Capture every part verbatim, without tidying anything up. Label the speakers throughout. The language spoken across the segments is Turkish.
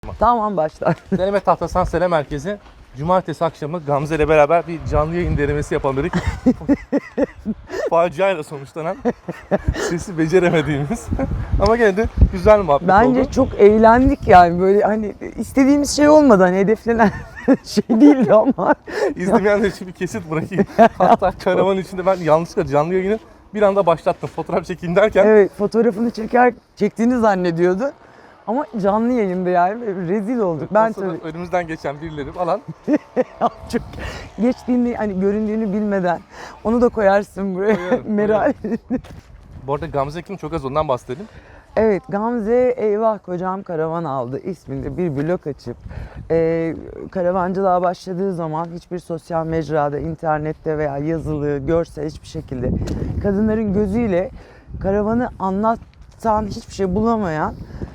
Speaker 1: Tamam başla.
Speaker 2: Deneme Tahtasan Sene Merkezi. Cumartesi akşamı Gamze ile beraber bir canlı yayın denemesi yapalım dedik. Faciayla sonuçlanan, sesi beceremediğimiz ama gene de güzel muhabbet
Speaker 1: Bence
Speaker 2: oldu.
Speaker 1: çok eğlendik yani, böyle hani istediğimiz şey olmadı, hani hedeflenen şey değildi ama.
Speaker 2: İzlemeyenler için bir kesit bırakayım. Hatta karavanın içinde ben yanlışlıkla canlı yayını bir anda başlattım. Fotoğraf çekeyim derken.
Speaker 1: Evet, fotoğrafını çeker çektiğini zannediyordu. Ama canlı yayında yani rezil olduk. Ben tabii
Speaker 2: Önümüzden geçen birileri falan.
Speaker 1: çok geçtiğini, hani göründüğünü bilmeden onu da koyarsın buraya.
Speaker 2: Koyarım,
Speaker 1: Meral.
Speaker 2: Bu arada Gamze kim, çok az ondan bahsedelim.
Speaker 1: Evet, Gamze eyvah kocam karavan aldı isminde bir blog açıp e, karavancılığa başladığı zaman hiçbir sosyal mecrada, internette veya yazılı, görsel hiçbir şekilde kadınların gözüyle karavanı anlatan hiçbir şey bulamayan,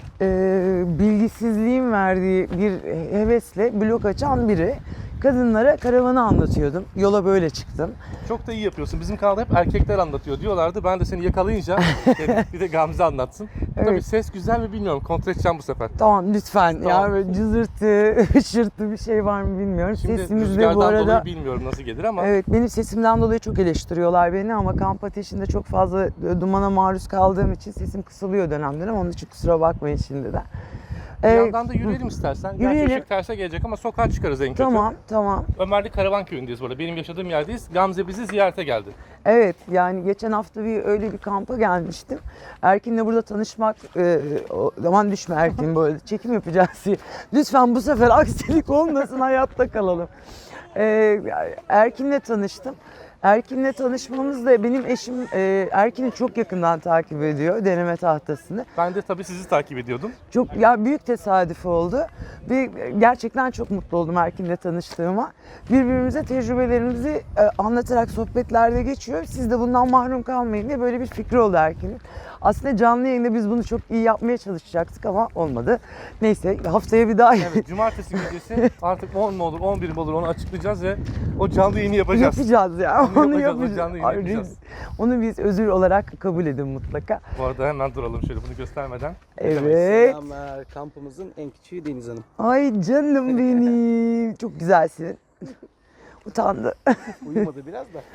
Speaker 1: e, bilgisizliğin verdiği bir hevesle blog açan biri. Kadınlara karavanı anlatıyordum. Yola böyle çıktım.
Speaker 2: Çok da iyi yapıyorsun. Bizim kanalda hep erkekler anlatıyor diyorlardı. Ben de seni yakalayınca dedim, bir de Gamze anlatsın.
Speaker 1: Evet.
Speaker 2: Tabii ses güzel mi bilmiyorum. Kontrol edeceğim bu sefer.
Speaker 1: Tamam lütfen.
Speaker 2: Tamam.
Speaker 1: Ya böyle cızırtı, hışırtı bir şey var mı bilmiyorum.
Speaker 2: Şimdi
Speaker 1: Sesimizde
Speaker 2: rüzgardan
Speaker 1: bu arada
Speaker 2: dolayı bilmiyorum nasıl gelir ama.
Speaker 1: evet, benim sesimden dolayı çok eleştiriyorlar beni ama kamp ateşinde çok fazla dumana maruz kaldığım için sesim kısılıyor dönemden, ama onun için kusura bakmayın şimdiden.
Speaker 2: Bir
Speaker 1: Ee,
Speaker 2: yandan da yürüyelim istersen.
Speaker 1: yürüyelim.
Speaker 2: Gerçi ışık terse gelecek ama sokağa çıkarız en kötü.
Speaker 1: Tamam, tamam.
Speaker 2: Ömerli Karavan Köyü'ndeyiz burada. Benim yaşadığım yerdeyiz. Gamze bizi ziyarete geldi.
Speaker 1: Evet, yani geçen hafta bir öyle bir kampa gelmiştim. Erkin'le burada tanışmak, e, o zaman düşme Erkin, böyle çekim yapacağız diye. Lütfen bu sefer aksilik olmasın, hayatta kalalım. E, Erkin'le tanıştım. Erkin'le tanışmamız da benim eşim e, Erkin'i çok yakından takip ediyor, deneme tahtasını.
Speaker 2: Ben de tabii sizi takip ediyordum.
Speaker 1: Çok ya, büyük tesadüf oldu ve gerçekten çok mutlu oldum Erkin'le tanıştığıma. Birbirimize tecrübelerimizi e, anlatarak sohbetlerde geçiyor. Siz de bundan mahrum kalmayın diye böyle bir fikri oldu Erkin'in. Aslında canlı yayında biz bunu çok iyi yapmaya çalışacaktık ama olmadı. Neyse, haftaya bir daha
Speaker 2: Evet, cumartesi gecesi artık on mu olur, on bir mi olur onu açıklayacağız ve o canlı yayını yapacağız.
Speaker 1: yapacağız ya.
Speaker 2: Onu
Speaker 1: Onu
Speaker 2: yapacağız, o
Speaker 1: yapacağız.
Speaker 2: canlı yayını
Speaker 1: Ay,
Speaker 2: yapacağız.
Speaker 1: Onu biz özür olarak kabul edin mutlaka.
Speaker 2: Bu arada hemen duralım şöyle bunu göstermeden.
Speaker 1: Evet.
Speaker 3: Selamlar. Kampımızın en küçüğü Deniz Hanım.
Speaker 1: Ay canım benim. Çok güzelsin. Utandı.
Speaker 3: Uyumadı biraz da.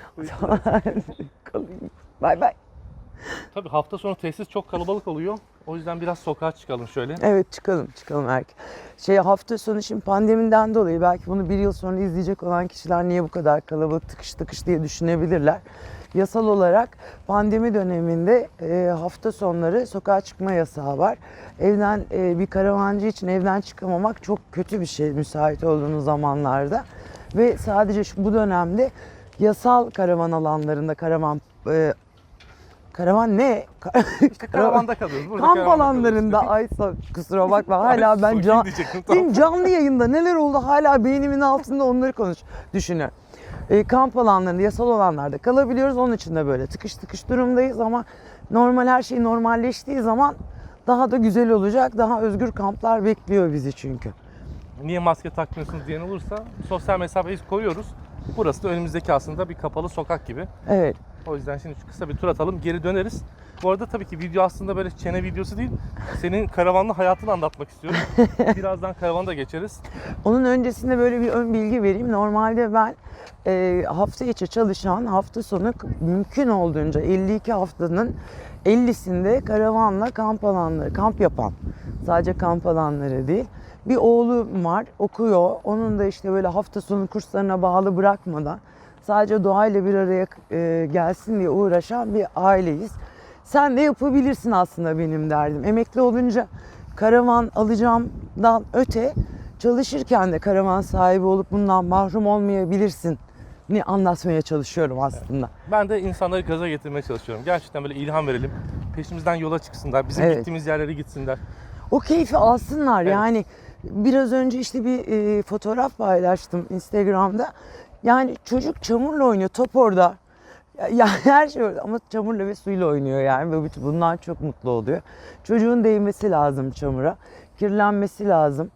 Speaker 1: Kalayım. Bay bay.
Speaker 2: Tabii hafta sonu tesis çok kalabalık oluyor. O yüzden biraz sokağa çıkalım şöyle.
Speaker 1: Evet, çıkalım çıkalım erken. Şey, hafta sonu şimdi pandemiden dolayı belki bunu bir yıl sonra izleyecek olan kişiler niye bu kadar kalabalık, tıkış tıkış diye düşünebilirler. Yasal olarak pandemi döneminde e, hafta sonları sokağa çıkma yasağı var. Evden e, bir karavancı için evden çıkamamak çok kötü bir şey müsait olduğunuz zamanlarda. Ve sadece şu, bu dönemde yasal karavan alanlarında karavan e, Karavan ne?
Speaker 2: İşte karavanda kalıyoruz. Burada
Speaker 1: Kamp
Speaker 2: karavanda
Speaker 1: alanlarında,
Speaker 2: kalıyoruz.
Speaker 1: ay kusura bakma, hala ben
Speaker 2: Ay,
Speaker 1: can,
Speaker 2: diyecektim, tamam.
Speaker 1: benim canlı yayında neler oldu hala beynimin altında, onları konuş düşünüyorum. E, kamp alanlarında, yasal olanlarda kalabiliyoruz, onun için de böyle tıkış tıkış durumdayız ama normal, her şey normalleştiği zaman daha da güzel olacak, daha özgür kamplar bekliyor bizi çünkü.
Speaker 2: Niye maske takmıyorsunuz diyen olursa sosyal mesafeyi koyuyoruz. Burası da önümüzdeki aslında bir kapalı sokak gibi.
Speaker 1: Evet.
Speaker 2: O yüzden şimdi şu kısa bir tur atalım, geri döneriz. Bu arada tabii ki video aslında böyle çene videosu değil. Senin karavanlı hayatını anlatmak istiyorum. Birazdan karavana geçeriz.
Speaker 1: Onun öncesinde böyle bir ön bilgi vereyim. Normalde ben e, hafta içi çalışan, hafta sonu mümkün olduğunca elli iki haftanın ellisinde karavanla kamp alanları, kamp yapan, sadece kamp alanları değil. Bir oğlum var, okuyor. Onun da işte böyle hafta sonu kurslarına bağlı bırakmadan sadece doğayla bir araya e, gelsin diye uğraşan bir aileyiz. Sen de yapabilirsin aslında, benim derdim. Emekli olunca karavan alacağımdan öte, çalışırken de karavan sahibi olup bundan mahrum olmayabilirsin ni anlatmaya çalışıyorum aslında.
Speaker 2: Ben de insanları gaza getirmeye çalışıyorum. Gerçekten böyle ilham verelim. Peşimizden yola çıksınlar. Bizim
Speaker 1: Evet.
Speaker 2: gittiğimiz yerlere gitsinler.
Speaker 1: O keyfi alsınlar.
Speaker 2: Evet.
Speaker 1: Yani biraz önce işte bir e, fotoğraf paylaştım Instagram'da. Yani çocuk çamurla oynuyor, top orada. Ya, ya her şey orada ama çamurla ve suyla oynuyor yani. Ve bundan çok mutlu oluyor. Çocuğun değmesi lazım çamura. Kirlenmesi lazım.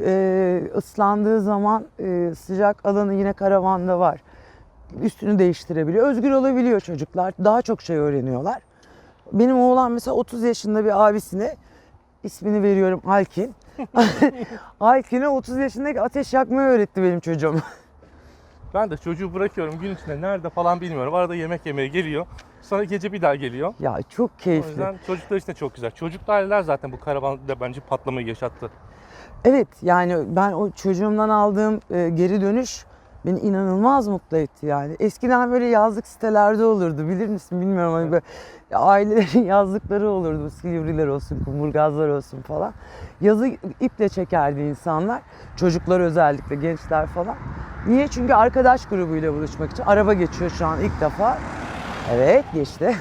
Speaker 1: Ee, ıslandığı zaman e, sıcak alanı yine karavanda var. Üstünü değiştirebiliyor. Özgür olabiliyor çocuklar. Daha çok şey öğreniyorlar. Benim oğlan mesela otuz yaşında bir abisine, ismini veriyorum Alkin. Aykin'e otuz yaşındaki ateş yakmayı öğretti benim çocuğum.
Speaker 2: Ben de çocuğu bırakıyorum gün içinde nerede falan bilmiyorum. Arada yemek yemeye geliyor. Sonra gece bir daha geliyor.
Speaker 1: Ya çok
Speaker 2: O
Speaker 1: keyifli.
Speaker 2: yüzden çocuklar için de çok güzel. Çocuklu aileler zaten bu karavanda bence patlamayı yaşattı.
Speaker 1: Evet, yani ben o çocuğumdan aldığım e, geri dönüş beni inanılmaz mutlu etti yani. Eskiden böyle yazlık sitelerde olurdu, bilir misin bilmiyorum, hani böyle ailelerin yazlıkları olurdu, Silivriler olsun, Kumburgazlar olsun falan. Yazı iple çekerdi insanlar, çocuklar özellikle, gençler falan. Niye? Çünkü arkadaş grubuyla buluşmak için. Araba geçiyor şu an ilk defa. Evet, geçti.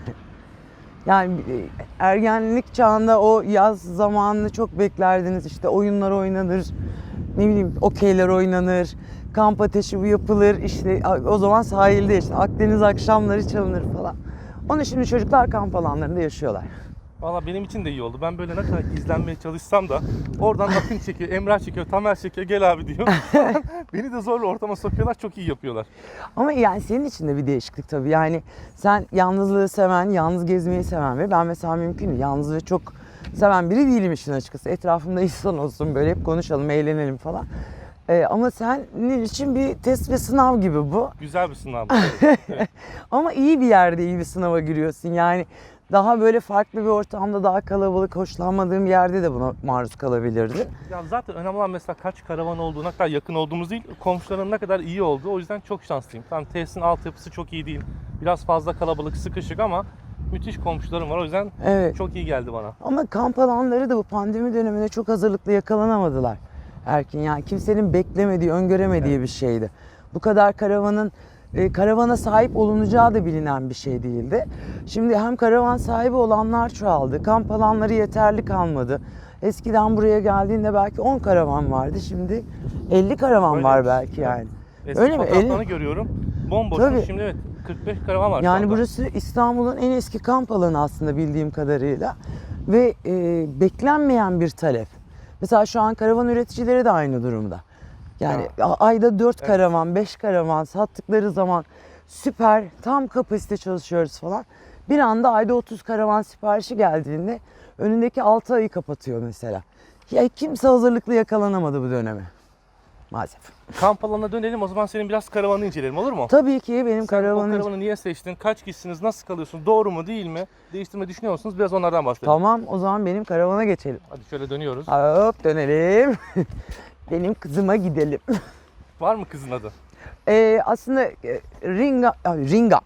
Speaker 1: Yani ergenlik çağında o yaz zamanını çok beklerdiniz. İşte oyunlar oynanır, ne bileyim okeyler oynanır, kamp ateşi bu yapılır. İşte o zaman sahilde işte Akdeniz akşamları çalınır falan. Onu şimdi çocuklar kamp alanlarında yaşıyorlar.
Speaker 2: Valla benim için de iyi oldu. Ben böyle ne kadar gizlenmeye çalışsam da oradan Akın çekiyor, Emrah çekiyor, Tamer çekiyor, gel abi diyor. Beni de zorla ortama sokuyorlar, çok iyi yapıyorlar.
Speaker 1: Ama yani senin için de bir değişiklik tabii. Yani sen yalnızlığı seven, yalnız gezmeyi seven ve ben mesela mümkün değil. Yalnızlığı çok seven biri değilim işin açıkçası. Etrafımda insan olsun, böyle hep konuşalım, eğlenelim falan. Ee, ama senin için bir test ve sınav gibi bu.
Speaker 2: Güzel bir sınav. Evet.
Speaker 1: Ama iyi bir yerde iyi bir sınava giriyorsun. Yani daha böyle farklı bir ortamda, daha kalabalık, hoşlanmadığım bir yerde de buna maruz kalabilirdin.
Speaker 2: Ya zaten önemli olan mesela kaç karavan olduğu, ne kadar yakın olduğumuz değil, komşuların ne kadar iyi olduğu. O yüzden çok şanslıyım. Tamam, tesisin altyapısı çok iyi değil. Biraz fazla kalabalık, sıkışık ama müthiş komşularım var. O yüzden
Speaker 1: Evet.
Speaker 2: çok iyi geldi bana.
Speaker 1: Ama kamp alanları da bu pandemi döneminde çok hazırlıklı yakalanamadılar. Erkin, yani kimsenin beklemediği, öngöremediği
Speaker 2: Evet.
Speaker 1: bir şeydi. Bu kadar karavanın e, karavana sahip olunacağı da bilinen bir şey değildi. Şimdi hem karavan sahibi olanlar çoğaldı, kamp alanları yeterli kalmadı. Eskiden buraya geldiğinde belki on karavan vardı, şimdi elli karavan
Speaker 2: Öyle
Speaker 1: var
Speaker 2: mi?
Speaker 1: belki yani.
Speaker 2: Eski
Speaker 1: Öyle mi?
Speaker 2: fotoğraflarını
Speaker 1: elli
Speaker 2: görüyorum. Bomboş.
Speaker 1: Tabii.
Speaker 2: Şimdi evet kırk beş karavan var şu
Speaker 1: Yani
Speaker 2: anda.
Speaker 1: burası İstanbul'un en eski kamp alanı aslında bildiğim kadarıyla ve e, beklenmeyen bir talep. Mesela şu an karavan üreticileri de aynı durumda. Yani a- ayda dört
Speaker 2: Evet.
Speaker 1: karavan, beş karavan sattıkları zaman süper, tam kapasite çalışıyoruz falan. Bir anda ayda otuz karavan siparişi geldiğinde önündeki altı ayı kapatıyor mesela. Ya kimse hazırlıklı yakalanamadı bu döneme. Maalesef.
Speaker 2: Kamp alanına dönelim, o zaman senin biraz karavanı inceleyelim, olur mu?
Speaker 1: Tabii ki benim
Speaker 2: Sen o
Speaker 1: karavanım...
Speaker 2: karavanı niye seçtin? Kaç kişisiniz? Nasıl kalıyorsun? Doğru mu değil mi? Değiştirme düşünüyor musunuz? Biraz onlardan bahsedelim.
Speaker 1: Tamam, o zaman benim karavana geçelim.
Speaker 2: Hadi şöyle dönüyoruz.
Speaker 1: Hop dönelim. Benim kızıma gidelim.
Speaker 2: Var mı kızın adı?
Speaker 1: Ee, aslında e, Ringa, ay, Ringam.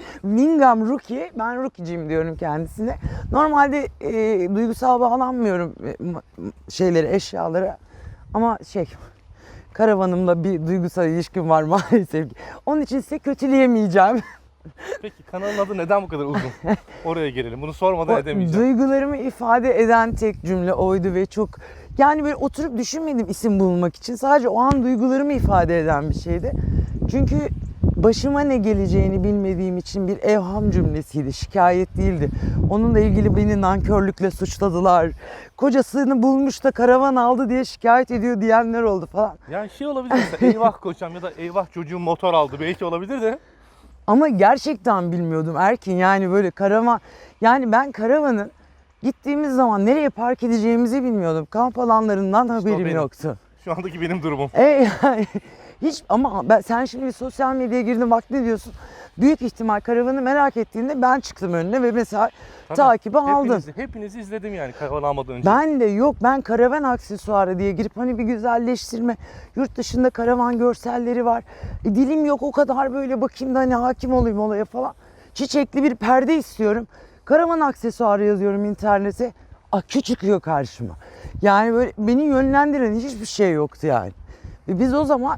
Speaker 1: Wingam Rookie. Ben Rookie'ciyim diyorum kendisine. Normalde e, duygusal bağlanmıyorum e, ma- şeylere, eşyalara. Ama şey, karavanımla bir duygusal ilişkim var maalesef ki. Onun için size kötüleyemeyeceğim.
Speaker 2: Peki kanalın adı neden bu kadar uzun? Oraya gelelim. Bunu sormadan
Speaker 1: O
Speaker 2: edemeyeceğim.
Speaker 1: duygularımı ifade eden tek cümle oydu ve çok, yani böyle oturup düşünmedim isim bulmak için. Sadece o an duygularımı ifade eden bir şeydi. Çünkü başıma ne geleceğini bilmediğim için bir evham cümlesiydi, şikayet değildi. Onunla ilgili beni nankörlükle suçladılar. Kocasını bulmuş da karavan aldı diye şikayet ediyor diyenler oldu falan.
Speaker 2: Yani şey olabilir mesela, eyvah kocam ya da eyvah çocuğum motor aldı. Belki olabilir de.
Speaker 1: Ama gerçekten bilmiyordum Erkin, yani böyle karavan, yani ben karavanın gittiğimiz zaman nereye park edeceğimizi bilmiyordum. Kamp alanlarından haberim
Speaker 2: benim.
Speaker 1: yoktu.
Speaker 2: Şu andaki benim durumum.
Speaker 1: E yani hiç, ama ben, sen şimdi bir sosyal medyaya girdin bak ne diyorsun? Büyük ihtimal karavanı merak ettiğinde ben çıktım önüne ve mesela
Speaker 2: Tabii,
Speaker 1: takibi aldın.
Speaker 2: Hepinizi, hepinizi izledim yani karavan almadan önce.
Speaker 1: Ben de yok, ben karavan aksesuarı diye girip hani bir güzelleştirme, yurt dışında karavan görselleri var. E, dilim yok o kadar, böyle bakayım da hani hakim olayım olaya falan. Çiçekli bir perde istiyorum. Karavan aksesuarı yazıyorum internete. Akü çıkıyor karşıma. Yani böyle beni yönlendiren hiçbir şey yoktu yani. Ve biz o zaman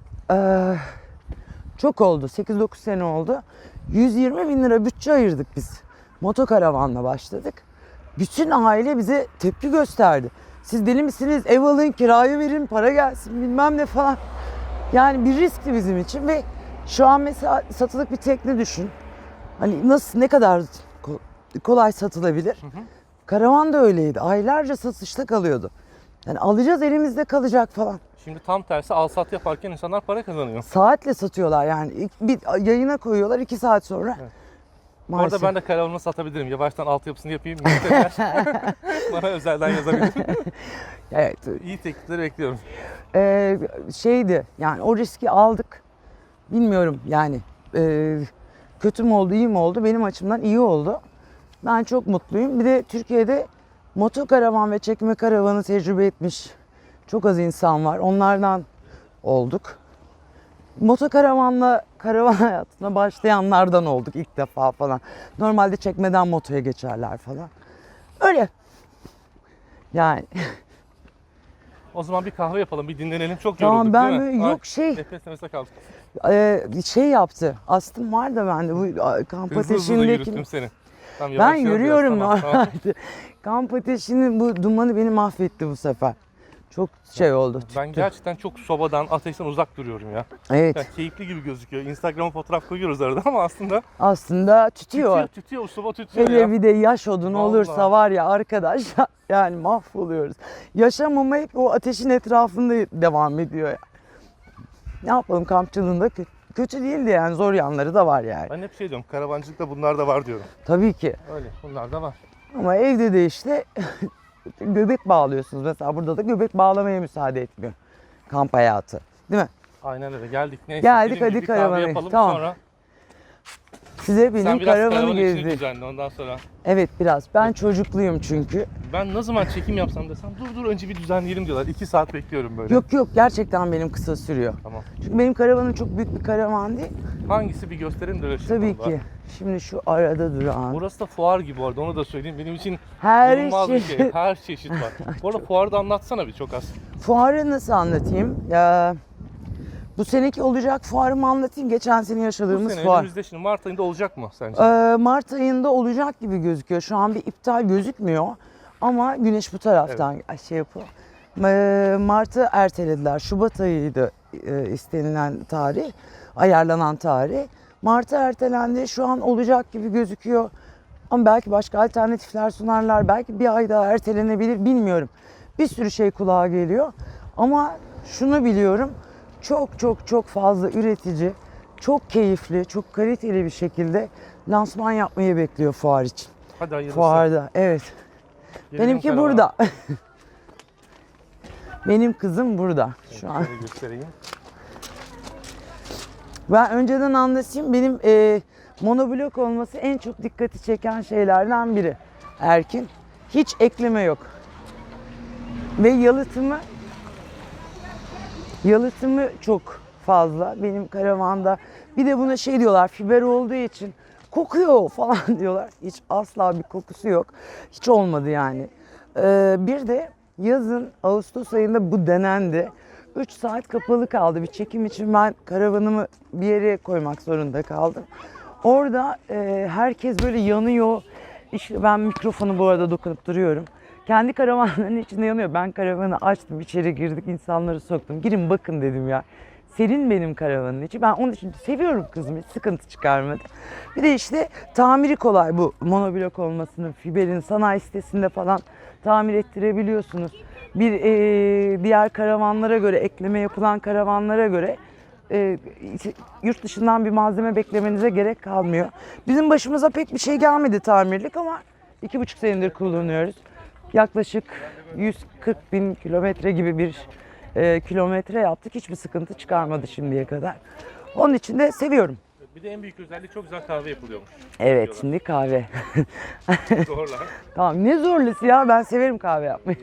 Speaker 1: eee, çok oldu, sekiz dokuz sene oldu. yüz yirmi bin lira bütçe ayırdık biz. Motokaravanla başladık. Bütün aile bize tepki gösterdi. Siz deli misiniz? Ev alın, kiraya verin, para gelsin bilmem ne falan. Yani bir riskti bizim için ve şu an mesela satılık bir tekne düşün. Hani nasıl, ne kadar ko- kolay satılabilir.
Speaker 2: Hı hı.
Speaker 1: Karavan da öyleydi. Aylarca satışta kalıyordu. Yani alacağız, elimizde kalacak falan.
Speaker 2: Şimdi tam tersi, al sat yaparken insanlar para kazanıyor.
Speaker 1: Saatle satıyorlar yani. İlk- Bir yayına koyuyorlar, iki saat sonra.
Speaker 2: Evet. Bu
Speaker 1: Maalesef.
Speaker 2: arada ben de karavanımı satabilirim. Yavaştan altyapısını yapayım. Müşteriler bana özelden yazabilir.
Speaker 1: Evet.
Speaker 2: İyi teklifleri bekliyorum.
Speaker 1: Ee, şeydi yani o riski aldık. Bilmiyorum yani e, kötü mü oldu iyi mi oldu benim açımdan iyi oldu. Ben çok mutluyum. Bir de Türkiye'de motokaravan ve çekme karavanı tecrübe etmiş çok az insan var. Onlardan olduk. Motokaravanla karavan hayatına başlayanlardan olduk ilk defa falan. Normalde çekmeden motoya geçerler falan. Öyle. Yani
Speaker 2: O zaman bir kahve yapalım, bir dinlenelim. Çok
Speaker 1: tamam
Speaker 2: yorulduk
Speaker 1: ben
Speaker 2: değil
Speaker 1: böyle
Speaker 2: mi? Ay,
Speaker 1: yok şey
Speaker 2: nefes nefese kaldık.
Speaker 1: e, şey yaptı. Astım var da bende bu a, kamp
Speaker 2: Hızlı hızlı da
Speaker 1: ateşindeki.
Speaker 2: yürüttüm seni. Tamam,
Speaker 1: Ben
Speaker 2: yavaşlayalım
Speaker 1: yürüyorum
Speaker 2: biraz, tamam, tamam.
Speaker 1: normalde. Kamp ateşinin bu dumanı beni mahvetti bu sefer. Çok şey oldu.
Speaker 2: Ben
Speaker 1: tüttü.
Speaker 2: gerçekten çok sobadan, ateşten uzak duruyorum ya.
Speaker 1: Evet.
Speaker 2: Yani keyifli gibi gözüküyor. Instagram'a fotoğraf koyuyoruz arada ama aslında
Speaker 1: Aslında tütüyor.
Speaker 2: tütüyor, tütüyor, soba tütüyor
Speaker 1: Hele
Speaker 2: ya.
Speaker 1: bir de yaş odun
Speaker 2: Vallahi.
Speaker 1: olursa var ya arkadaş yani mahvoluyoruz. Yaşamama hep o ateşin etrafında devam ediyor ya. Ne yapalım kampçılığında kötü, kötü değildi yani zor yanları da var yani.
Speaker 2: Ben hep şey diyorum, karavancılıkta bunlar da var diyorum.
Speaker 1: Tabii ki.
Speaker 2: Öyle, bunlar da var.
Speaker 1: Ama evde de işte göbek bağlıyorsunuz. Mesela burada da göbek bağlamaya müsaade etmiyor kamp hayatı. Değil mi?
Speaker 2: Aynen öyle, geldik. Neyse,
Speaker 1: Geldik,
Speaker 2: dediğim
Speaker 1: hadi
Speaker 2: gibi bir kahve
Speaker 1: karavana.
Speaker 2: yapalım,
Speaker 1: Tamam.
Speaker 2: sonra
Speaker 1: Size
Speaker 2: sen
Speaker 1: benim
Speaker 2: biraz
Speaker 1: karavanı
Speaker 2: karavanın içini
Speaker 1: gezdi.
Speaker 2: düzenle ondan sonra.
Speaker 1: Evet biraz. Ben çocukluyum çünkü.
Speaker 2: Ben ne zaman çekim yapsam desem dur dur önce bir düzenleyelim diyorlar. İki saat bekliyorum böyle.
Speaker 1: Yok yok gerçekten benim kısa sürüyor.
Speaker 2: Tamam.
Speaker 1: Çünkü benim karavanım çok büyük bir karavan değil.
Speaker 2: Hangisi bir gösterin de öyle şey
Speaker 1: Tabii
Speaker 2: yapalım
Speaker 1: ki. Şimdi şu arada duran.
Speaker 2: Burası da fuar gibi bu arada, onu da söyleyeyim. Benim için
Speaker 1: Her
Speaker 2: inanılmaz bir
Speaker 1: şey.
Speaker 2: şey. Her çeşit var. Bu arada fuarı da anlatsana bir çok az.
Speaker 1: Fuarı nasıl anlatayım? Ya, bu seneki olacak fuarımı anlatayım. Geçen sene
Speaker 2: Bu
Speaker 1: yaşadığımız
Speaker 2: sene
Speaker 1: fuar.
Speaker 2: önümüzde şimdi Mart ayında olacak mı sence?
Speaker 1: Ee, Mart ayında olacak gibi gözüküyor. Şu an bir iptal gözükmüyor. Ama güneş bu taraftan şey yapıyor. Ee, Mart'ı ertelediler. Şubat ayıydı e, istenilen tarih. Ayarlanan tarih. Mart'a ertelendi. Şu an olacak gibi gözüküyor. Ama belki başka alternatifler sunarlar. Belki bir ay daha ertelenebilir. Bilmiyorum. Bir sürü şey kulağa geliyor. Ama şunu biliyorum. Çok çok çok fazla üretici, çok keyifli, çok kaliteli bir şekilde lansman yapmayı bekliyor fuar için.
Speaker 2: Hadi hayırlısı.
Speaker 1: Fuarda, evet.
Speaker 2: Gelelim
Speaker 1: Benimki
Speaker 2: karavana.
Speaker 1: burada. Benim kızım burada şu an.
Speaker 2: Şöyle göstereyim.
Speaker 1: Ben önceden anlatayım. Benim e, monoblok olması en çok dikkati çeken şeylerden biri. Erkin. Hiç ekleme yok. Ve yalıtımı yalıtımı çok fazla benim karavanda. Bir de buna şey diyorlar, fiber olduğu için kokuyor falan diyorlar. Hiç asla bir kokusu yok. Hiç olmadı yani. Ee, bir de yazın Ağustos ayında bu denendi. üç saat kapalı kaldı. Bir çekim için ben karavanımı bir yere koymak zorunda kaldım. Orada e, herkes böyle yanıyor. İşte ben mikrofonu bu arada dokunup duruyorum. Kendi karavanların içinde yanıyor. Ben karavanı açtım, içeri girdik, insanları soktum. Girin bakın dedim ya. Serin benim karavanın içi. Ben onun için seviyorum kızım. Hiç sıkıntı çıkarmadı. Bir de işte tamiri kolay bu monoblok olmasının. Fiber'in sanayi sitesinde falan tamir ettirebiliyorsunuz. Bir e, diğer karavanlara göre, ekleme yapılan karavanlara göre e, yurt dışından bir malzeme beklemenize gerek kalmıyor. Bizim başımıza pek bir şey gelmedi tamirlik ama iki buçuk senedir kullanıyoruz. Yaklaşık yüz kırk bin kilometre gibi bir e, kilometre yaptık. Hiçbir sıkıntı çıkarmadı şimdiye kadar. Onun için de seviyorum.
Speaker 2: Bir de en büyük özelliği çok güzel kahve yapılıyormuş.
Speaker 1: Evet, şimdi kahve.
Speaker 2: Zorla.
Speaker 1: Tamam, ne zorlusu ya, ben severim kahve yapmayı.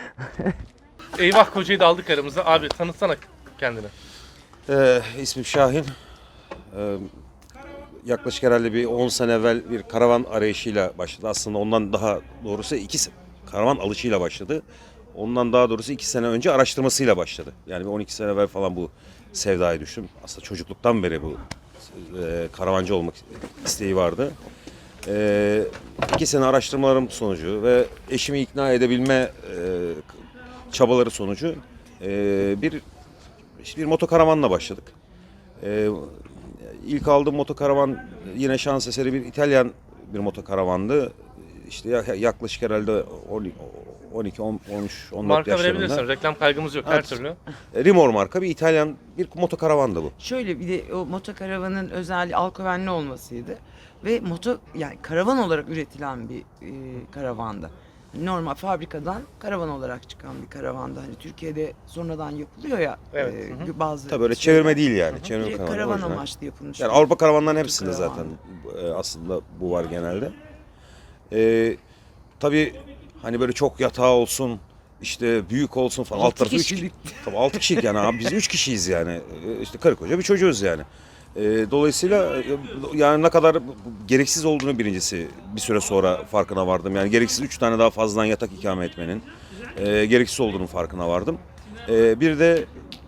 Speaker 2: Eyvah kocayı da aldık aramıza. Abi tanıtsana kendini.
Speaker 4: Ee, ismim Şahin. Ee, yaklaşık herhalde bir on sene evvel bir karavan arayışıyla başladı. Aslında ondan daha doğrusu iki se- karavan alışıyla başladı. Ondan daha doğrusu iki sene önce araştırmasıyla başladı. Yani bir on iki sene evvel falan bu sevdaya düştüm. Aslında çocukluktan beri bu e, karavancı olmak isteği vardı. E, iki sene araştırmalarım sonucu ve eşimi ikna edebilme e, çabaları sonucu e, bir işte bir motokaravanla başladık. E, ilk aldığım motokaravan yine şans eseri bir İtalyan bir motokaravandı. İşte yaklaşık herhalde on iki, on üç, on dört
Speaker 2: Marka
Speaker 4: yaşlarında.
Speaker 2: verebilirsin. Reklam kaygımız yok her
Speaker 4: Evet.
Speaker 2: türlü.
Speaker 4: Rimor marka bir İtalyan bir motokaravandı bu.
Speaker 1: Şöyle bir de o motokaravanın özelliği alkovenli olmasıydı. Ve moto yani karavan olarak üretilen bir e, karavandı. Normal fabrikadan karavan olarak çıkan bir karavanda. Hani Türkiye'de sonradan yapılıyor ya
Speaker 2: Evet,
Speaker 1: e,
Speaker 2: hı hı.
Speaker 1: bazı
Speaker 4: Tabii öyle
Speaker 1: şeyler.
Speaker 4: çevirme değil yani. Çevirme
Speaker 1: Direkt
Speaker 4: karavan,
Speaker 1: karavan
Speaker 4: orijinal.
Speaker 1: amaçlı yapılmış.
Speaker 4: Yani Avrupa karavanların
Speaker 1: Türk
Speaker 4: hepsinde zaten
Speaker 1: karavanı.
Speaker 4: e, aslında bu var genelde. E, tabii hani böyle çok yatağı olsun, işte büyük olsun falan. Alt
Speaker 1: Altı
Speaker 4: tarafı üç
Speaker 1: kişilik.
Speaker 4: Tabii altı kişilik yani abi biz üç kişiyiz yani. E, işte karı koca bir çocuğuz yani. E, dolayısıyla e, yani ne kadar gereksiz olduğunu birincisi bir süre sonra farkına vardım. Yani gereksiz üç tane daha fazladan yatak ikame etmenin e, gereksiz olduğunun farkına vardım. E, bir de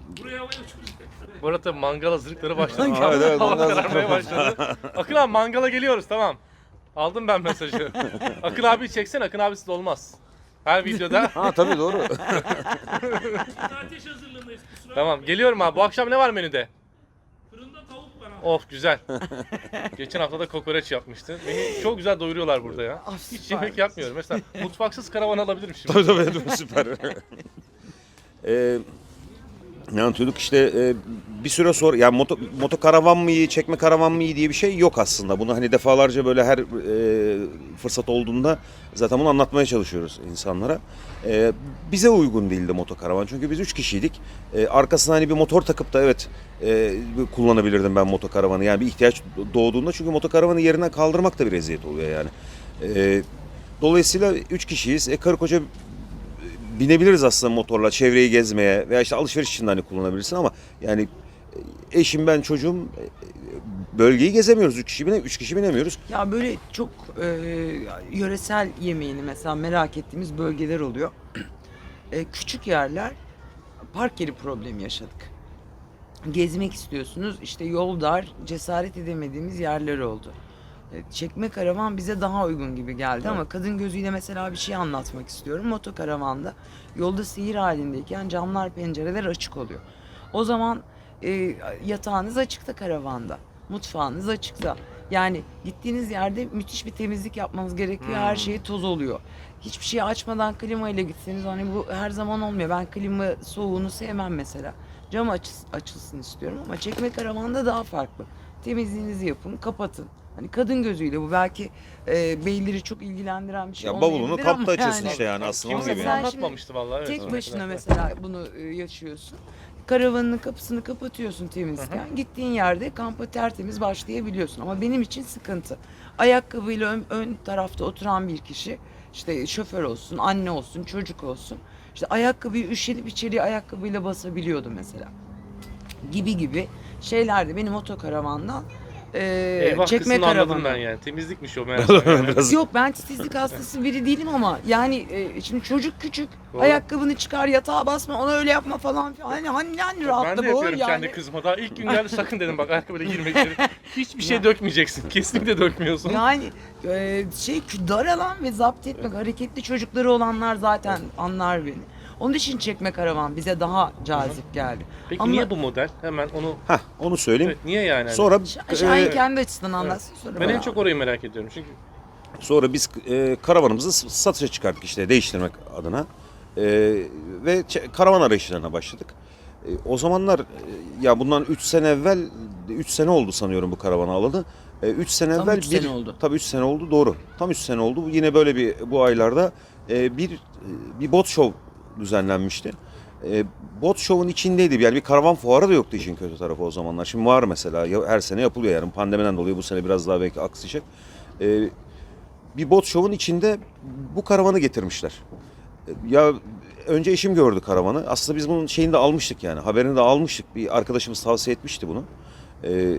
Speaker 2: Bu arada mangal hazırlıkları başladı.
Speaker 4: Evet, evet,
Speaker 2: Hava
Speaker 4: mangal
Speaker 2: kararmaya başladı. Akın abi mangala geliyoruz tamam. Aldım ben mesajı. Akın abi çeksene, Akın abisiz olmaz. Her videoda.
Speaker 4: ha tabii doğru.
Speaker 5: Ateş hazırlığındayız kusura
Speaker 2: Tamam geliyorum abi. Bu akşam ne var menüde?
Speaker 5: Fırında tavuk var abi.
Speaker 2: Of güzel. Geçen hafta da kokoreç yapmıştı. Beni çok güzel doyuruyorlar burada ya.
Speaker 1: Ah,
Speaker 2: Hiç
Speaker 1: süper.
Speaker 2: yemek yapmıyorum. Mesela mutfaksız karavan alabilirim şimdi.
Speaker 4: Tabii tabii tabii, süper. Ee, ne anlatıyorduk işte e, bir süre sonra yani moto, moto karavan mı iyi, çekme karavan mı iyi diye bir şey yok aslında. Bunu hani defalarca böyle her e, fırsat olduğunda zaten bunu anlatmaya çalışıyoruz insanlara. E, bize uygun değildi moto karavan çünkü biz üç kişiydik. E, arkasına hani bir motor takıp da evet e, kullanabilirdim ben moto karavanı. Yani bir ihtiyaç doğduğunda çünkü moto karavanı yerinden kaldırmak da bir eziyet oluyor yani. E, dolayısıyla üç kişiyiz. E, karı koca binebiliriz aslında motorla çevreyi gezmeye veya işte alışveriş için de hani kullanabilirsin ama yani eşim ben çocuğum bölgeyi gezemiyoruz. Üç kişi bine üç kişi binemiyoruz.
Speaker 1: Ya böyle çok e, yöresel yemeğini mesela merak ettiğimiz bölgeler oluyor. E, küçük yerler park yeri problemi yaşadık. Gezmek istiyorsunuz işte yol dar cesaret edemediğimiz yerler oldu. E, Çekme karavan bize daha uygun gibi geldi ama kadın gözüyle mesela bir şey anlatmak istiyorum. Motokaravanda yolda seyir halindeyken camlar pencereler açık oluyor. O zaman e, yatağınız açıkta karavanda. Mutfağınız açıkta. Yani gittiğiniz yerde müthiş bir temizlik yapmanız gerekiyor. Her şey toz oluyor. Hiçbir şeyi açmadan klima ile gitseniz hani bu her zaman olmuyor. Ben klima soğuğunu sevmem mesela. Cam açılsın, açılsın istiyorum ama çekme karavanda daha farklı. Temizliğinizi yapın, kapatın. Hani kadın gözüyle bu belki e, beyleri çok ilgilendiren bir şey
Speaker 4: Ya bavulunu
Speaker 1: olmayabilir
Speaker 4: kapta
Speaker 1: ama
Speaker 4: açıyorsun
Speaker 1: yani
Speaker 4: işte yani aslında onun
Speaker 2: Kimse
Speaker 4: gibi.
Speaker 2: bunu
Speaker 1: Sen
Speaker 4: Yani.
Speaker 2: anlatmamıştı vallahi. Evet.
Speaker 1: tek başına mesela bunu e, yaşıyorsun. Karavanının kapısını kapatıyorsun temizken. Gittiğin yerde kampa tertemiz başlayabiliyorsun. Ama benim için sıkıntı. Ayakkabıyla ön, ön tarafta oturan bir kişi, işte şoför olsun, anne olsun, çocuk olsun. İşte ayakkabıyı üşenip içeriye ayakkabıyla basabiliyordu mesela. Gibi gibi şeylerdi benim otokaravandan e,
Speaker 2: Eyvah
Speaker 1: çekme
Speaker 2: kısmını anladım
Speaker 1: karavanı.
Speaker 2: ben yani. Temizlikmiş o meğerse. Yani.
Speaker 4: Biraz
Speaker 1: Yok ben titizlik hastası biri değilim ama yani e, şimdi çocuk küçük
Speaker 2: Doğru.
Speaker 1: ayakkabını çıkar yatağa basma ona öyle yapma falan filan. Hani hani, hani
Speaker 2: Ben
Speaker 1: rahatla
Speaker 2: de
Speaker 1: bu
Speaker 2: yapıyorum
Speaker 1: yani.
Speaker 2: kendi kızıma. Daha ilk gün geldi sakın dedim bak ayakkabıyla girmek içeri. Hiçbir şey dökmeyeceksin. Kesinlikle dökmüyorsun.
Speaker 1: Yani e, şey dar alan ve zapt etmek hareketli çocukları olanlar zaten anlar beni. Onun için çekme karavan bize daha cazip geldi.
Speaker 2: Peki
Speaker 1: Ama
Speaker 2: niye bu model? Hemen onu...
Speaker 4: Heh, onu söyleyeyim.
Speaker 2: Evet, niye yani?
Speaker 4: Sonra
Speaker 1: Ş- Şahin
Speaker 4: e,
Speaker 1: kendi açısından anlatsın sonra.
Speaker 2: Ben
Speaker 1: ben
Speaker 2: en çok orayı merak ediyorum çünkü
Speaker 4: sonra biz e, karavanımızı s- satışa çıkarttık işte değiştirmek adına. E, ve ç- karavan arayışlarına başladık. E, o zamanlar e, ya bundan üç sene evvel üç sene oldu sanıyorum bu karavanı alalı. üç sene
Speaker 1: Tam
Speaker 4: evvel
Speaker 1: üç
Speaker 4: bir
Speaker 1: sene oldu.
Speaker 4: tabii üç sene oldu doğru. Tam üç sene oldu. Yine böyle bir bu aylarda e, bir bir bot show düzenlenmişti. E, bot show'un içindeydi. Yani bir karavan fuarı da yoktu işin kötü tarafı o zamanlar. Şimdi var mesela. Ya- Her sene yapılıyor yani. Pandemiden dolayı bu sene biraz daha belki aksayacak. E, bir bot show'un içinde bu karavanı getirmişler. E, Ya önce eşim gördü karavanı. Aslında biz bunun şeyini de almıştık yani. Haberini de almıştık. Bir arkadaşımız tavsiye etmişti bunu. E,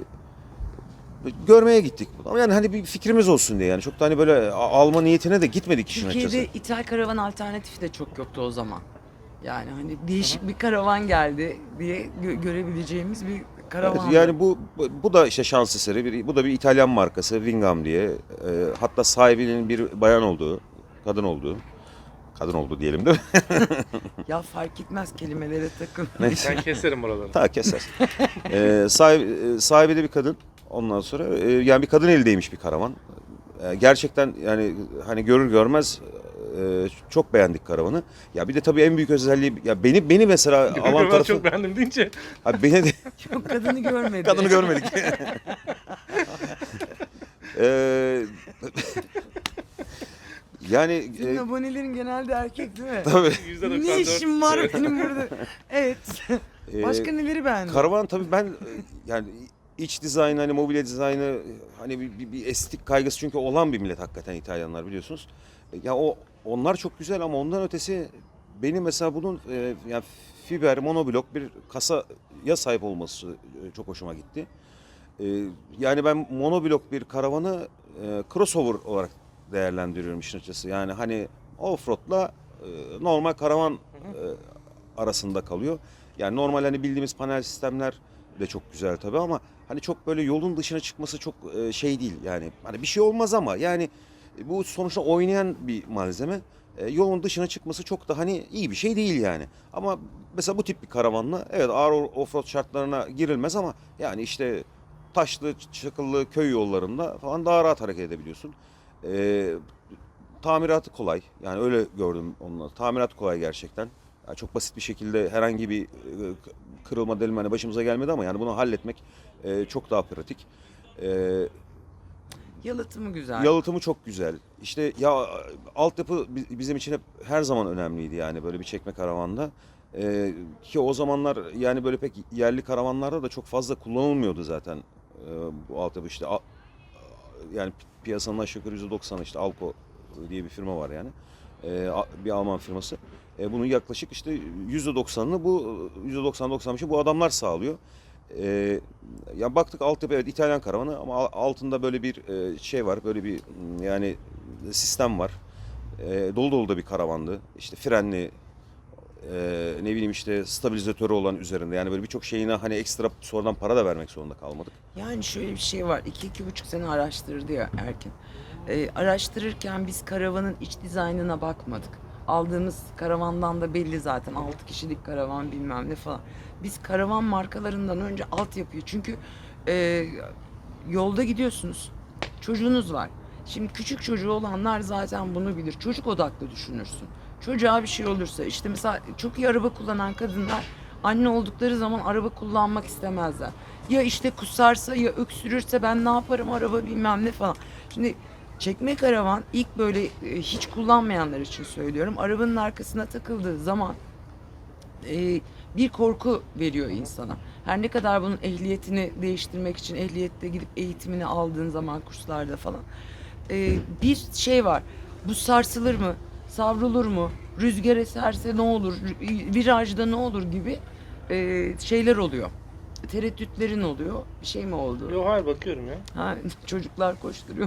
Speaker 4: görmeye gittik. Ama yani hani bir fikrimiz olsun diye yani. Çok da hani böyle a- alma niyetine de gitmedik işin
Speaker 1: Türkiye'de
Speaker 4: açıkçası.
Speaker 1: ithal karavan alternatifi de çok yoktu o zaman. Yani hani değişik bir karavan geldi diye gö- görebileceğimiz bir karavan.
Speaker 4: Evet, yani bu bu- bu da işte şans eseri. Bir, bu da bir İtalyan markası Wingham diye. E, hatta sahibinin bir bayan olduğu, kadın olduğu. Kadın oldu diyelim değil mi?
Speaker 1: Ya fark etmez kelimelere takın.
Speaker 2: ben keserim buraları.
Speaker 4: Ta keser. e, sahibi, e, sahibi de bir kadın. Ondan sonra e, yani bir kadın eldeymiş bir karavan. E, gerçekten yani hani görür görmez e, çok beğendik karavanı. Ya bir de tabii en büyük özelliği ya beni beni mesela alan
Speaker 2: Ben
Speaker 4: tarafı
Speaker 2: çok beğendim deyince.
Speaker 4: abi beni de
Speaker 1: Yok kadını görmedi.
Speaker 4: kadını görmedik. Ee, Yani
Speaker 1: Senin
Speaker 4: e,
Speaker 1: abonelerin genelde erkek değil mi?
Speaker 4: tabii.
Speaker 2: yüzde doksan dört.
Speaker 1: Ne işim var benim burada? Evet.
Speaker 4: e,
Speaker 1: Başka neleri beğendin?
Speaker 4: Karavan tabii ben e, yani iç dizaynı hani mobilya dizaynı hani bir, bir, bir estetik kaygısı çünkü olan bir millet hakikaten İtalyanlar biliyorsunuz. E, Ya o onlar çok güzel ama ondan ötesi benim mesela bunun e, yani fiber monoblok bir kasaya sahip olması e, çok hoşuma gitti. E, Yani ben monoblok bir karavanı e, crossover olarak değerlendiriyorum işin açıkçası. Yani hani offroad'la e, normal karavan e, arasında kalıyor. Yani normal hani bildiğimiz panel sistemler de çok güzel tabii ama hani çok böyle yolun dışına çıkması çok e, şey değil. Yani hani bir şey olmaz ama yani e, bu sonuçta oynayan bir malzeme. E, yolun dışına çıkması çok da hani iyi bir şey değil yani. Ama mesela bu tip bir karavanla evet ağır offroad şartlarına girilmez ama yani işte taşlı, çakıllı köy yollarında falan daha rahat hareket edebiliyorsun. E, Tamiratı kolay. Yani öyle gördüm onunla. Tamirat kolay gerçekten. Yani çok basit bir şekilde herhangi bir e, kırılma delme hani başımıza gelmedi ama yani bunu halletmek e, çok daha pratik. E,
Speaker 1: Yalıtımı güzel.
Speaker 4: Yalıtımı çok güzel. İşte ya altyapı bi- bizim için hep her zaman önemliydi yani böyle bir çekme karavanda. E, ki o zamanlar yani böyle pek yerli karavanlarda da çok fazla kullanılmıyordu zaten e, bu altyapı işte a- yani pi- piyasanın aşağı yukarı yüzde doksanı işte Alko diye bir firma var yani. E, a- bir Alman firması. E, bunun yaklaşık işte yüzde doksanını bu yüzde doksan doksan beşi bu adamlar sağlıyor. E, Ya baktık altyapı evet İtalyan karavanı ama al- altında böyle bir e, şey var. Böyle bir m, yani sistem var. E, dolu dolu da bir karavandı. İşte frenli e, ne bileyim işte stabilizatörü olan üzerinde. Yani böyle birçok şeyine hani ekstra sonradan para da vermek zorunda kalmadık.
Speaker 1: Yani şöyle bir şey var. İki, iki buçuk sene araştırdı ya Erkin. Ee, araştırırken biz karavanın iç dizaynına bakmadık. Aldığımız karavandan da belli zaten. Altı kişilik karavan bilmem ne falan. Biz karavan markalarından önce altyapıyı. Çünkü e, yolda gidiyorsunuz. Çocuğunuz var. Şimdi küçük çocuğu olanlar zaten bunu bilir. Çocuk odaklı düşünürsün. Çocuğa bir şey olursa işte mesela çok iyi araba kullanan kadınlar anne oldukları zaman araba kullanmak istemezler. Ya işte kusarsa ya öksürürse ben ne yaparım araba bilmem ne falan. Şimdi çekme karavan ilk böyle e, hiç kullanmayanlar için söylüyorum. Arabanın arkasına takıldığı zaman e, bir korku veriyor insana. Her ne kadar bunun ehliyetini değiştirmek için ehliyette gidip eğitimini aldığın zaman kurslarda falan e, bir şey var. Bu sarsılır mı? Savrulur mu? Rüzgar eserse ne olur? Virajda ne olur gibi e, şeyler oluyor. Tereddütlerin oluyor. Bir şey mi oldu?
Speaker 2: Yok hayır bakıyorum ya.
Speaker 1: Ha, çocuklar koşturuyor.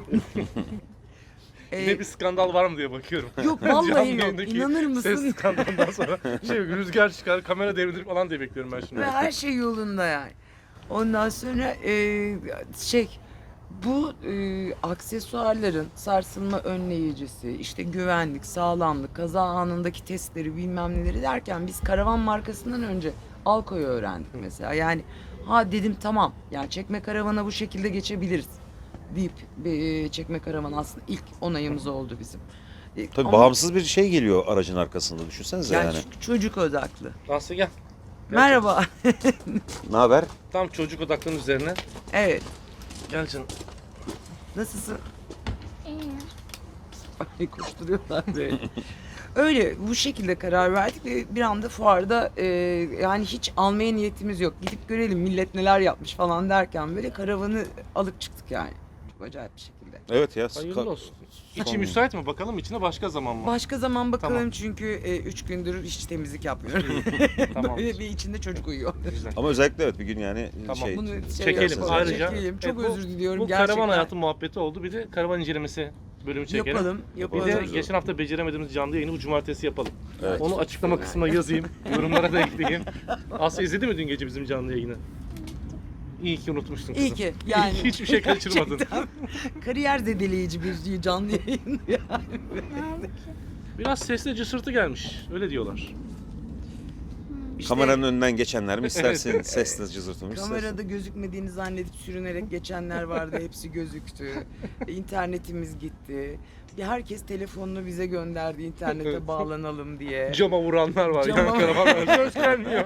Speaker 1: E,
Speaker 2: Yine bir skandal var mı diye bakıyorum.
Speaker 1: Yok
Speaker 2: Canlı
Speaker 1: vallahi yok.
Speaker 2: yayındaki
Speaker 1: İnanır
Speaker 2: Ses
Speaker 1: mısın?
Speaker 2: skandalından sonra şey rüzgar çıkar, kamera devrilir falan diye bekliyorum ben şimdi.
Speaker 1: Ve her şey yolunda yani. Ondan sonra e, şey bu e, aksesuarların sarsılma önleyicisi, işte güvenlik, sağlamlık, kaza anındaki testleri bilmem neleri derken biz karavan markasından önce Alko'yu öğrendik mesela. Yani ha dedim tamam yani çekme karavana bu şekilde geçebiliriz deyip e, çekme karavan aslında ilk onayımız oldu bizim. E,
Speaker 4: Tabii
Speaker 1: ama
Speaker 4: bağımsız bir şey geliyor aracın arkasında düşünsenize
Speaker 1: yani
Speaker 4: yani.
Speaker 1: çünkü çocuk odaklı.
Speaker 2: Aslı gel.
Speaker 1: Merhaba.
Speaker 4: Ne haber?
Speaker 2: Tam çocuk odaklının üzerine.
Speaker 1: Evet.
Speaker 2: Gel canım.
Speaker 1: Nasılsın? Ay koşturuyorlar böyle. Öyle bu şekilde karar verdik ve bir anda fuarda e, yani hiç almaya niyetimiz yok. Gidip görelim millet neler yapmış falan derken böyle karavanı alıp çıktık yani. Çok acayip bir şekilde.
Speaker 4: Evet ya.
Speaker 2: Hayırlı
Speaker 4: ka-
Speaker 2: olsun. İçi
Speaker 4: son-
Speaker 2: müsait mi bakalım içine başka zaman mı?
Speaker 1: Başka zaman bakalım
Speaker 2: Tamam.
Speaker 1: çünkü e, üç gündür hiç temizlik yapmıyorum.
Speaker 2: Tamam.
Speaker 1: Böyle bir içinde çocuk uyuyor.
Speaker 2: Güzel.
Speaker 4: Ama özellikle evet bir gün yani
Speaker 2: Tamam.
Speaker 4: şey
Speaker 1: Bunu şey
Speaker 2: Çekelim
Speaker 1: yapalım,
Speaker 2: ayrıca.
Speaker 1: çekelim. Çok
Speaker 2: Evet, bu-
Speaker 1: özür diliyorum
Speaker 2: Bu
Speaker 1: gerçekten.
Speaker 2: karavan hayatı muhabbeti oldu. Bir de karavan incelemesi bölümü çekelim.
Speaker 1: Yapalım,
Speaker 2: Bir
Speaker 1: yapalım.
Speaker 2: de geçen hafta beceremediğimiz canlı yayını bu cumartesi yapalım.
Speaker 4: Evet.
Speaker 2: Onu açıklama kısmına yazayım. Yorumlara da ekleyeyim. Aslı izledi mi dün gece bizim canlı yayını? İyi ki unutmuşsun kızım.
Speaker 1: İyi ki yani.
Speaker 2: Hiçbir şey kaçırmadın.
Speaker 1: Gerçekten kariyer zedeleyici bir canlı yayın yani.
Speaker 2: Biraz sesle cısırtı gelmiş. Öyle diyorlar.
Speaker 1: İşte
Speaker 4: kameranın önünden geçenler mi istersin sesle cızırtımı istersin.
Speaker 1: kamerada gözükmediğini zannedip sürünerek geçenler vardı. Hepsi gözüktü. İnternetimiz gitti. Bir herkes telefonunu bize gönderdi internete bağlanalım diye.
Speaker 2: Cama vuranlar var.
Speaker 1: Cama-
Speaker 2: Yani karavanlar söz gelmiyor.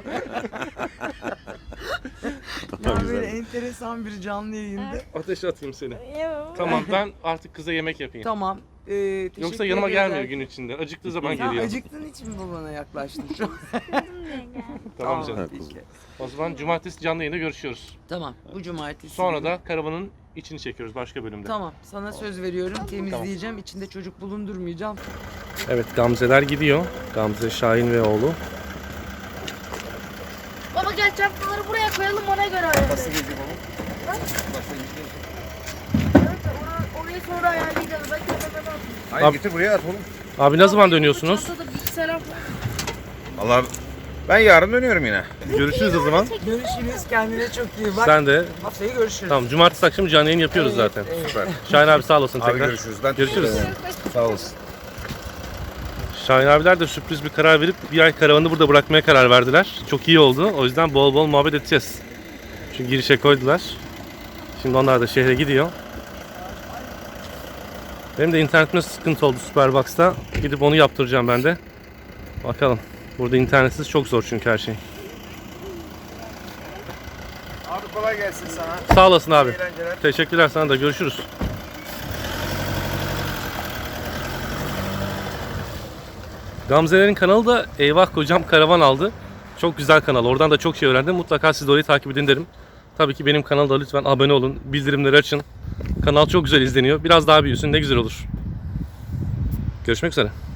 Speaker 1: Yani
Speaker 4: Güzel.
Speaker 1: böyle enteresan bir canlı yayında.
Speaker 2: Ateş atayım seni.
Speaker 6: Yok.
Speaker 2: Tamam ben artık kıza yemek yapayım.
Speaker 1: Tamam. Ee,
Speaker 2: Yoksa
Speaker 1: teşekkür
Speaker 2: yanıma
Speaker 1: ederiz
Speaker 2: gelmiyor
Speaker 1: abi.
Speaker 2: gün içinde. Acıktığı zaman
Speaker 1: Sen
Speaker 2: geliyor.
Speaker 1: acıktığın için mi bana yaklaştın şu an?
Speaker 2: Tamam canım.
Speaker 1: peki.
Speaker 2: O zaman cumartesi canlı yayında görüşüyoruz.
Speaker 1: Tamam, bu cumartesi.
Speaker 2: Sonra
Speaker 1: günü.
Speaker 2: da karavanın içini çekiyoruz başka bölümde.
Speaker 1: Tamam, sana söz veriyorum. Temizleyeceğim. İçinde çocuk bulundurmayacağım.
Speaker 2: Evet, Gamzeler gidiyor. Gamze, Şahin ve oğlu.
Speaker 6: Baba gel çantaları buraya koyalım ona göre ayarlayalım. Nasıl gelecek baba? Evet, or- orayı sonra ayarlayacağız. Ben kenara atayım.
Speaker 7: Hayır
Speaker 2: Abi-
Speaker 7: getir buraya at oğlum.
Speaker 2: Abi ne zaman dönüyorsunuz?
Speaker 6: Çantada bilgisayar falan.
Speaker 7: Allah ben yarın dönüyorum yine.
Speaker 2: Görüşürüz o zaman.
Speaker 1: Görüşürüz. Kendine çok iyi bak.
Speaker 2: Sen de.
Speaker 1: Haftaya görüşürüz.
Speaker 2: Tamam, cumartesi akşamı canlı yayın yapıyoruz
Speaker 1: Evet,
Speaker 2: zaten.
Speaker 1: evet.
Speaker 7: Süper.
Speaker 2: Şahin abi sağ olasın
Speaker 7: Abi
Speaker 2: tekrar.
Speaker 7: görüşürüz. Ben
Speaker 2: Görüşürüz.
Speaker 7: teşekkür ederim. Sağ olasın.
Speaker 2: Şahin abiler de sürpriz bir karar verip bir ay karavanı burada bırakmaya karar verdiler. Çok iyi oldu. O yüzden bol bol muhabbet edeceğiz. Çünkü girişe koydular. Şimdi onlar da şehre gidiyor. Benim de internetimde sıkıntı oldu Superbox'ta. Gidip onu yaptıracağım ben de. Bakalım. Burada internetsiz çok zor çünkü her şey.
Speaker 7: Abi kolay gelsin sana.
Speaker 2: Sağ olasın abi.
Speaker 7: Eğlenceler.
Speaker 2: Teşekkürler sana da. Görüşürüz. Gamze'lerin kanalı da Eyvah Kocam Karavan aldı. Çok güzel kanal. Oradan da çok şey öğrendim. Mutlaka siz de orayı takip edin derim. Tabii ki benim kanalda lütfen abone olun. Bildirimleri açın. Kanal çok güzel izleniyor. Biraz daha büyüsün ne güzel olur. Görüşmek üzere.